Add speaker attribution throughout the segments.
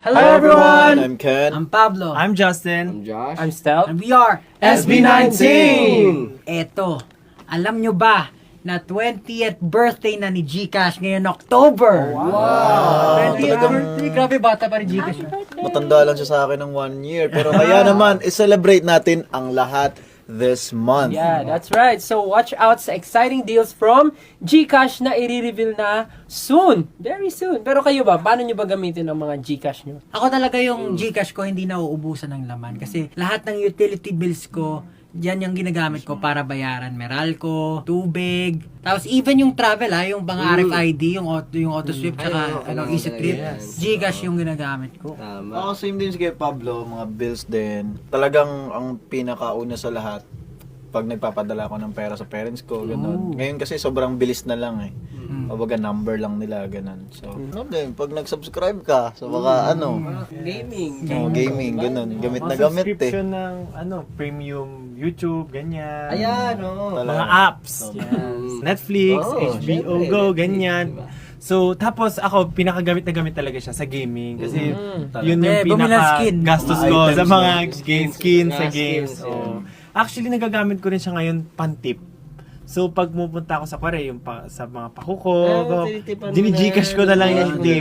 Speaker 1: Hello everyone!
Speaker 2: I'm Ken.
Speaker 1: I'm Pablo.
Speaker 3: I'm Justin.
Speaker 4: I'm Josh.
Speaker 5: I'm Stel.
Speaker 1: And we are
Speaker 4: SB19!
Speaker 1: Eto, alam nyo ba na 20th birthday na ni GCash ngayon October? Wow! 20th birthday? Grabe, bata pa rin GCash.
Speaker 2: Matanda lang siya sa akin ng 1 year. Pero kaya naman, i-celebrate natin ang lahat this month.
Speaker 5: Yeah, that's right. So watch out sa exciting deals from GCash na i-reveal na soon. Very soon. Pero kayo ba, paano nyo ba gamitin ang mga GCash nyo?
Speaker 1: Ako talaga yung GCash ko hindi nauubusan ng laman kasi lahat ng utility bills ko yan yung ginagamit ko para bayaran Meralco, tubig, tapos even yung travel yung mga RFID, yung auto sweep, tsaka easy trip, GCash yung ginagamit ko.
Speaker 4: Tama.
Speaker 2: Ako same din si kay Pablo, mga bills din. Talagang ang pinakauna sa lahat, pag nagpapadala ko ng pera sa parents ko, gano'n. Ngayon kasi sobrang bilis na lang Kumbaga number lang nila, gano'n. So, din, pag nag-subscribe ka sa mga
Speaker 4: Gaming.
Speaker 2: gaming, gano'n. Gamit na gamit
Speaker 3: Subscription ng premium YouTube, ganyan.
Speaker 4: Ayan, oo.
Speaker 3: Mga apps. Yes. Netflix, HBO
Speaker 4: syempre,
Speaker 3: Go,
Speaker 4: Netflix,
Speaker 3: ganyan.
Speaker 4: diba?
Speaker 3: So, tapos ako, pinakagamit na gamit talaga siya sa gaming. Kasi yun
Speaker 1: Eh,
Speaker 3: yung
Speaker 1: bumili ng skin.
Speaker 3: pinaka-gastos
Speaker 2: Mga
Speaker 3: ko
Speaker 2: items
Speaker 3: sa mga
Speaker 2: na.
Speaker 3: skin sa
Speaker 4: Mga
Speaker 3: games.
Speaker 4: skins,
Speaker 3: Oo. Actually, nagagamit ko rin siya ngayon pantip. So, pag pupunta ako sa Korea, yung sa mga pakuko,
Speaker 4: tinitipan mo
Speaker 3: gini-Gcash ko na lang yung tip.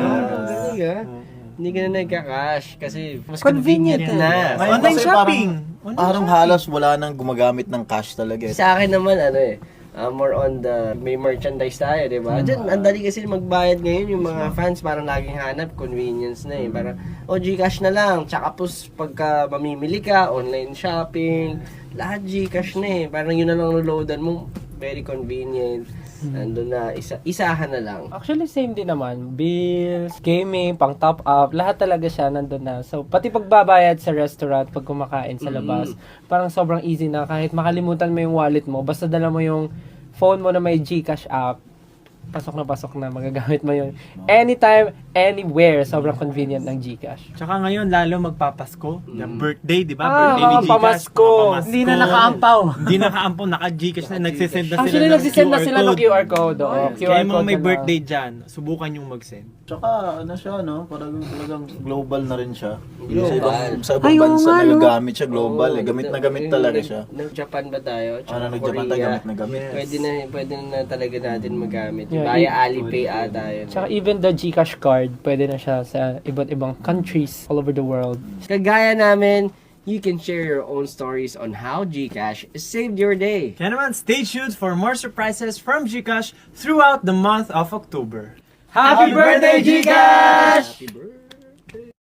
Speaker 4: Galing
Speaker 3: Yeah.
Speaker 4: Hindi ka na nagka-cash kasi mas
Speaker 5: Convenient
Speaker 4: convenient na.
Speaker 2: Ngayon
Speaker 3: Online
Speaker 2: kasi
Speaker 3: shopping.
Speaker 2: Parang halos wala nang gumagamit ng cash talaga.
Speaker 4: Sa akin naman, more on the may merchandise tayo, di ba? Diyan, ang dali kasi magbayad ngayon yung mga fans parang laging hanap, convenience na Parang, Gcash na lang. Tsaka pagka mamimili ka, online shopping, lahat Gcash na Parang yun na lang loadan mo, very convenient. Nandun na, isahan na lang.
Speaker 5: Actually, same din naman. Bills, gaming, pang top up, lahat talaga siya nandun na. So, pati pagbabayad sa restaurant, pag kumakain sa labas, parang sobrang easy na. Kahit makalimutan mo yung wallet mo, basta dala mo yung phone mo na may GCash app, pasok na, magagamit mo yun. Anytime, anywhere, sobrang convenient ng GCash.
Speaker 3: Tsaka ngayon, lalo magpapasko. Yung birthday, di ba?
Speaker 5: Ah,
Speaker 3: Birthday ni
Speaker 5: mga
Speaker 3: Gcash.
Speaker 5: pamasko.
Speaker 3: mga pamasko.
Speaker 1: Hindi na nakaampaw.
Speaker 3: Hindi nakaampaw, naka-Gcash na. Nagsisend na sila
Speaker 5: Actually,
Speaker 3: ng
Speaker 5: nagsisend na sila ng QR code. Oo,
Speaker 3: Kaya
Speaker 5: QR
Speaker 3: yung mga
Speaker 5: code
Speaker 3: may
Speaker 5: na lang.
Speaker 3: birthday dyan, subukan yung mag-send.
Speaker 2: Tsaka siya, parang talagang global na rin siya.
Speaker 4: Global.
Speaker 2: Sa ibang bansa nagagamit siya global. Gamit na gamit talaga siya.
Speaker 4: Nag-Japan ba tayo? Tsaka
Speaker 2: Nag-Japan tayo, gamit na gamit.
Speaker 4: Pwede na talaga natin magamit.
Speaker 5: Yeah,
Speaker 4: Via Alipay ata yun.
Speaker 5: Tsaka even the GCash card, pwede na siya sa iba't ibang countries all over the world.
Speaker 4: Kagaya namin, you can share your own stories on how GCash saved your day.
Speaker 3: Kaya naman, stay tuned for more surprises from Gcash throughout the month of October.
Speaker 5: Happy birthday, GCash!
Speaker 4: Happy birthday!